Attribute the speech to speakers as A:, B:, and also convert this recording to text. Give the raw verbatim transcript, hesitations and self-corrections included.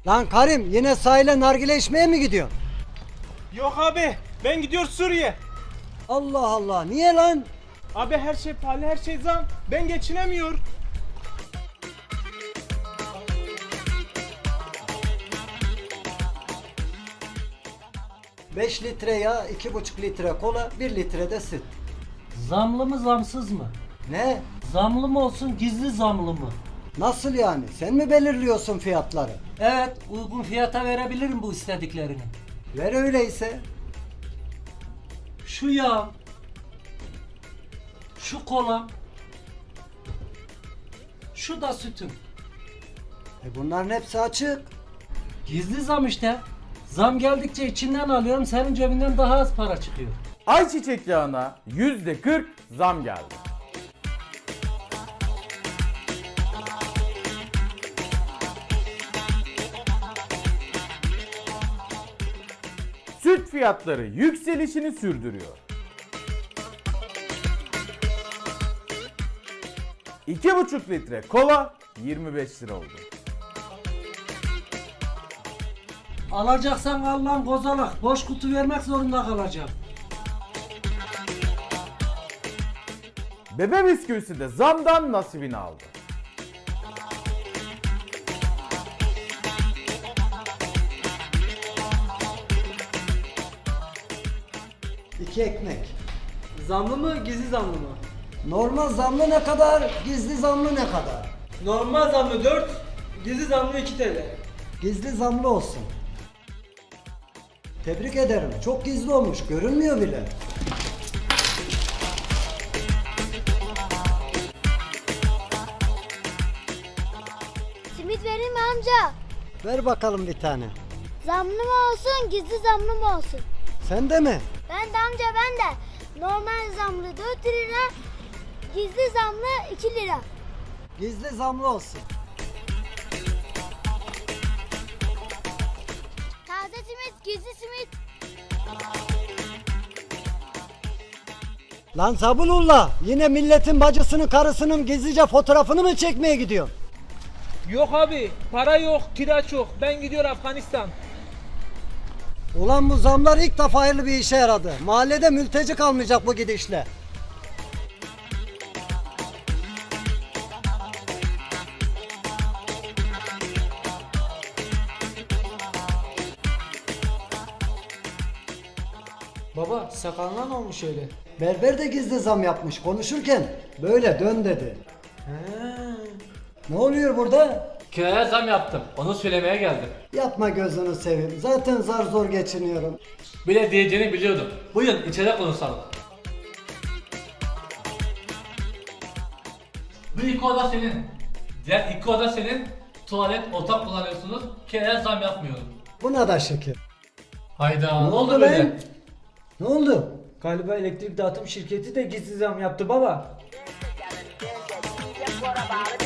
A: Lan Karim, yine sahile nargile içmeye mi gidiyorsun?
B: Yok abi, ben gidiyor Suriye.
A: Allah Allah, niye lan?
B: Abi her şey pahalı, her şey zam. Ben geçinemiyor.
A: beş litre yağ, iki buçuk litre kola, bir litre de süt.
C: Zamlı mı zamsız mı?
A: Ne?
C: Zamlı mı olsun gizli zamlı mı?
A: Nasıl yani? Sen mi belirliyorsun fiyatları?
C: Evet, uygun fiyata verebilirim bu istediklerini.
A: Ver öyleyse.
C: Şu yağ, şu kola, şu da sütüm.
A: E bunların hepsi açık.
C: Gizli zam işte. Zam geldikçe içinden alıyorum, senin cebinden daha az para çıkıyor.
D: Ayçiçek yağına yüzde kırk zam geldi. Süt fiyatları yükselişini sürdürüyor. iki buçuk litre kola yirmi beş lira oldu.
C: Alacaksan al lan kozalak, boş kutu vermek zorunda kalacağım.
D: Bebe bisküvisi de zamdan nasibini aldı.
A: İki ekmek.
E: Zamlı mı, gizli zamlı mı?
A: Normal zamlı ne kadar, gizli zamlı ne kadar?
E: Normal zamlı dört, gizli zamlı iki T L.
A: Gizli zamlı olsun. Tebrik ederim. Çok gizli olmuş. Görünmüyor bile.
F: Simit vereyim mi amca?
A: Ver bakalım bir tane.
F: Zamlı mı olsun, gizli zamlı mı olsun?
A: Sen de mi?
F: Ben de amca ben de. Normal zamlı dört lira, gizli zamlı iki lira.
A: Gizli zamlı olsun.
F: Taze simit, gizli simit.
A: Lan Sabunullah, yine milletin bacısının karısının gizlice fotoğrafını mı çekmeye gidiyorsun?
B: Yok abi, para yok, kira çok. Ben gidiyorum Afganistan.
A: Ulan bu zamlar ilk defa hayırlı bir işe yaradı. Mahallede mülteci kalmayacak bu gidişle.
E: Baba, sakalına ne olmuş öyle?
A: Berber de gizli zam yapmış konuşurken böyle dön dedi. Ne oluyor burada?
G: Kiraya zam yaptım. Onu söylemeye geldim.
A: Yapma gözünü seveyim. Zaten zar zor geçiniyorum.
G: Bile diyeceğini biliyordum. Buyurun içeri konuşalım. Bu iki oda senin. Diğer iki oda senin. Tuvalet, otak kullanıyorsunuz. Kiraya zam yapmıyorum.
A: Buna da şükür.
G: Hayda.
A: Ne
G: Ne
A: oldu
G: oldu böyle?
A: lan? Ne oldu?
E: Galiba elektrik dağıtım şirketi de gizli zam yaptı baba.